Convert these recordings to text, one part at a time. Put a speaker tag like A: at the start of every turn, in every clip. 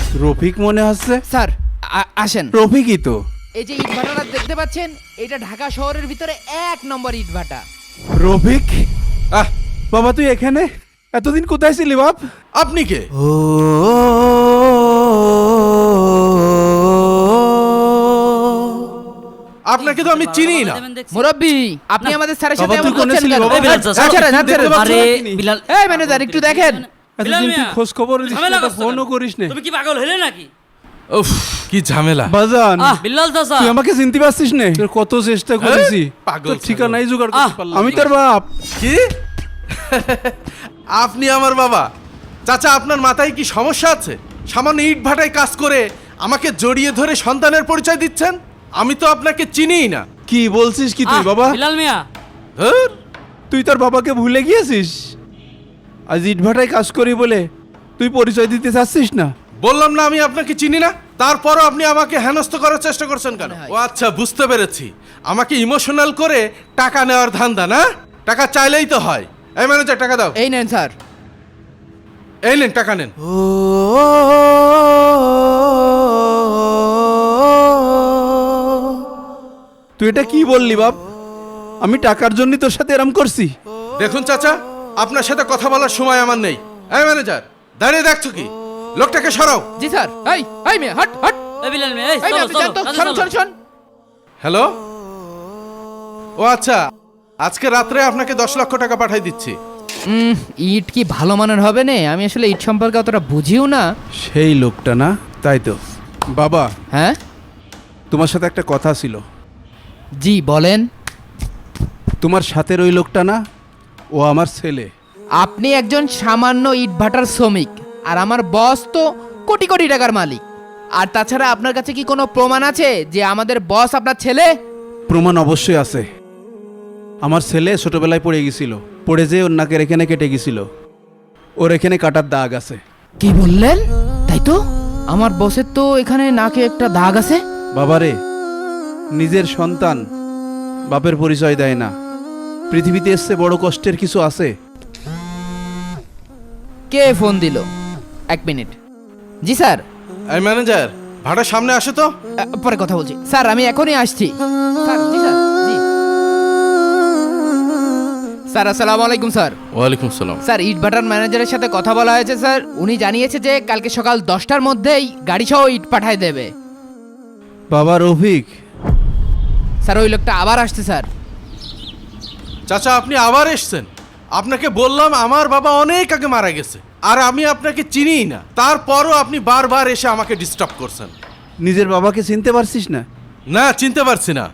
A: রফিক মনে হচ্ছে।
B: স্যার আসেন।
A: রফিকই তো।
B: এই যে ইট ভাটাটা দেখতে পাচ্ছেন, এটা ঢাকা শহরের ভিতরে 1 নম্বর ইট ভাটা।
A: রফিক, বাবা তুই এখানে এতদিন কোথায় ছিলি বাপ?
C: আপনি কে? আপনাকে তো আমি চিনি না।
B: মুরব্বি, আপনি আমাদের স্যারের সাথে
A: বাবা, তুই
B: এমন
A: কোনে
B: করছেন
A: ছিলি
B: কেন?
A: বাবা?
B: এই, ছাড়েন, ছাড়েন।
A: আরে
D: বিলাল,
B: এই ম্যানেজার একটু দেখেন।
A: এতদিন তুই খোঁজ খবর ফোনও করিস না।
D: তুমি কি পাগল হলে নাকি?
C: উফ, কি ঝামেলা।
A: বাজান,
D: বিল্লাল চাচা,
A: তুই আমাকে চিনতে পারছিস না? তোর কত চেষ্টা করেছি,
C: পাগল
A: তোর ঠিকানাই জোগাড় করতে পারলাম না। আমি তোর বাপ।
C: কি? আপনি আমার বাবা? চাচা, আপনার মাথায় কি সমস্যা আছে? সামান্য ইট ভাটায় কাজ করে আমাকে জড়িয়ে ধরে সন্তানের পরিচয় দিচ্ছেন? আমি তো আপনাকে চিনিই না।
A: কি বলছিস কি তুই বাবা?
D: বিলাল মিয়া,
C: ধুর,
A: তুই তোর বাবাকে ভুলে গিয়েছিস? আজ ইটভাটায় কাজ করি বলে তুই পরিচয় দিতে চাচ্ছিস না?
C: বললাম না আমি আপনাকে চিনি না। তারপরও আপনি আমাকে হেনস্থ করার চেষ্টা করছেন কেন? ও আচ্ছা, বুঝতে পেরেছি। আমাকে ইমোশনাল করে টাকা নেওয়ার ধান্দা না? টাকা চাইলেই তো হয়। এই ম্যানেজার, টাকা দাও।
B: এই নেন স্যার।
C: এই নেন, টাকা নেন।
A: তুই এটা কি বললি বাপ? আমি টাকার জন্য তোর সাথে এরম করছি?
C: দেখুন চাচা, আপনার সাথে কথা বলার সময় আমার নেই। এই ম্যানেজার, দাঁড়িয়ে দেখছো কি? লোকটাকে সরাও।
B: জি স্যার। এই মেয়ে, হট হট।
D: এই বিলাল মিয়া, এই
B: এই মেয়ে,
D: চলো
B: আপনি
D: চলো
B: যান তো,
D: চলো,
B: শোন
D: চলো।
B: শোন শোন।
C: হ্যালো। ও আচ্ছা, আজকে রাত্রে আপনাকে 10 লক্ষ টাকা পাঠিয়ে দিচ্ছি।
B: ইট কি ভালো মানের হবে না? আমি আসলে ইট সম্পর্কে অতটা বুঝিও না।
A: সেই লোকটা না? তাই তো বাবা,
B: হ্যাঁ
A: তোমার সাথে একটা কথা ছিল।
B: জি বলেন।
A: তোমার সাথের ওই লোকটা না, ও আমার ছেলে।
B: আপনি একজন সামান্য ইট ভাটার শ্রমিক, আর আমার বস তো কোটি কোটি টাকার মালিক। আর তাছাড়া আপনার কাছে কি কোনো প্রমাণ আছে যে আমাদের বস আপনার ছেলে?
A: প্রমাণ অবশ্যই আছে। আমার ছেলে ছোটবেলায় পড়ে গেছিল, পড়ে যেয়ে ওর নাকের এখানে কেটে গেছিল। ওর এখানে কাটার দাগ আছে।
B: কি বললেন? তাই তো, আমার বসের তো এখানে নাকে একটা দাগ আছে।
A: বাবারে, নিজের সন্তান বাপের পরিচয় দেয় না। পৃথিবীতে এসছে বড় কষ্টের কিছু আছে?
B: কে ফোন দিল? 1 মিনিট। জি স্যার।
C: এই ম্যানেজার, ভাড়া সামনে আসে তো।
B: পরে কথা বলছি স্যার, আমি এখনই আসছি। স্যার, জি স্যার, জি স্যার। আসসালামু আলাইকুম স্যার।
C: ওয়ালাইকুম সালাম।
B: স্যার, ইট ভাটার ম্যানেজারের সাথে কথা বলা হয়েছে স্যার। উনি জানিয়েছে যে কালকে সকাল 10টার মধ্যেই গাড়ি সহ ইট পাঠায় দেবে।
A: বাবা রফিক,
B: স্যার, ওই লোকটা আবার আসছে স্যার।
C: চাচা, আপনি আবার এসছেন? আপনাকে বললাম আমার বাবা অনেক আগে মারা গেছে, আর আমি আপনাকে চিনিই না। তারপরও আপনি বারবার এসে আমাকে ডিস্টার্ব করছেন।
A: নিজের বাবাকে চিনতে পারছিস না?
C: না, চিনতে পারছি না।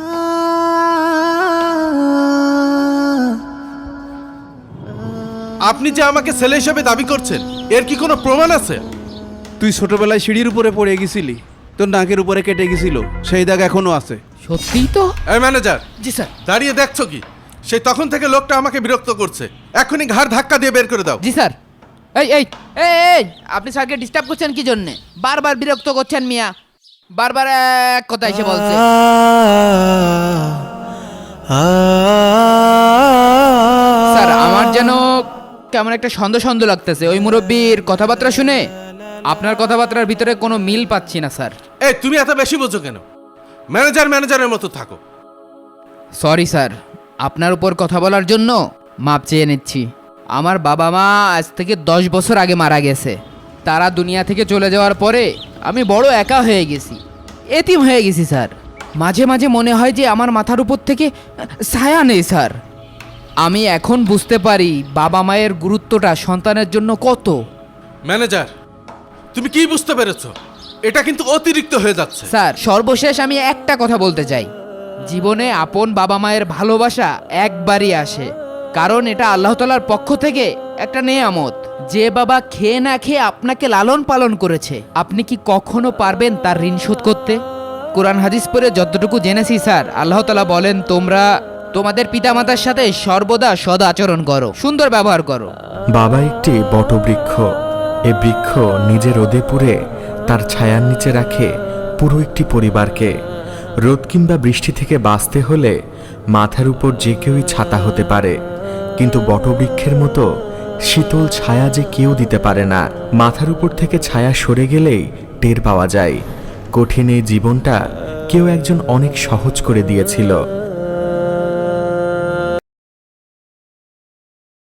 C: আপনি যে আমাকে ছেলে হিসেবে দাবি করছেন, এর কি কোনো প্রমাণ আছে?
A: তুই ছোটবেলায় সিঁড়ির উপরে পড়ে গেছিলি, তোর নাকের উপরে কেটে গেছিল, সেই দাগ এখনো আছে।
B: সত্যিই তো?
C: এই ম্যানেজার,
B: জি স্যার।
C: দাঁড়িয়ে দেখছো কি? সেই তখন থেকে লোকটা আমাকে বিরক্ত করছে। এখনই ঘাড় ধাক্কা দিয়ে বের করে দাও।
B: জি স্যার। এই এই এই এই, আপনি স্যারকে ডিস্টার্ব করছেন কি জন্যে? বারবার বিরক্ত করছেন মিয়া। বারবার এক কথা এসে বলছে। স্যার, আমার যেন কেমন একটা সন্দেহ সন্দেহ লাগতেছে ওই মুরব্বীর কথাবার্তা শুনে। আপনার কথাবার্তার ভিতরে কোনো মিল পাচ্ছি না স্যার।
C: এই, তুমি এত বেশি বোঝো কেন? ম্যানেজার ম্যানেজারের মতো থাকো।
B: সরি স্যার, আপনার উপর কথা বলার জন্য মাপ চেয়ে নিচ্ছি। আমার বাবা মা আজ থেকে 10 বছর আগে মারা গেছে। তারা দুনিয়া থেকে চলে যাওয়ার পরে আমি বড় একা হয়ে গেছি, এতিম হয়ে গেছি স্যার। মাঝে মাঝে মনে হয় যে আমার মাথার উপর থেকে ছায়া নেই স্যার। আমি এখন বুঝতে পারি বাবা মায়ের গুরুত্বটা সন্তানের জন্য কত।
C: ম্যানেজার, তুমি কি বুঝতে পেরেছো? এটা কিন্তু অতিরিক্ত হয়ে যাচ্ছে।
B: স্যার, সর্বশেষ আমি একটা কথা বলতে চাই। জীবনে আপন বাবা মায়ের ভালোবাসা একবারই আসে, কারণ এটা আল্লাহ তাআলার পক্ষ থেকে একটা নেয়ামত। যে বাবা খেয়ে না খেয়ে আপনাকে লালন পালন করেছে, আপনি কি কখনো পারবেন তার ঋণ শোধ করতে? কোরআন হাদিস পড়ে যতটুকু জেনেছি স্যার, আল্লাহ তাআলা বলেন তোমরা তোমাদের পিতামাতার সাথে সর্বদা সদ আচরণ করো, সুন্দর ব্যবহার করো।
E: বাবা একটি বটবৃক্ষ। এ বৃক্ষ নিজে রোদে পুড়ে তার ছায়ার নিচে রাখে পুরো একটি পরিবারকে। রোদ কিংবা বৃষ্টি থেকে বাঁচতে হলে মাথার উপর যে কেউই ছাতা হতে পারে, কিন্তু বটবৃক্ষের মতো শীতল ছায়া যে কেউ দিতে পারে না, মাথার উপর থেকে ছায়া সরে গেলেই টের পাওয়া যায়। কঠিন এই জীবনটা কেউ একজন অনেক সহজ করে দিয়েছিল।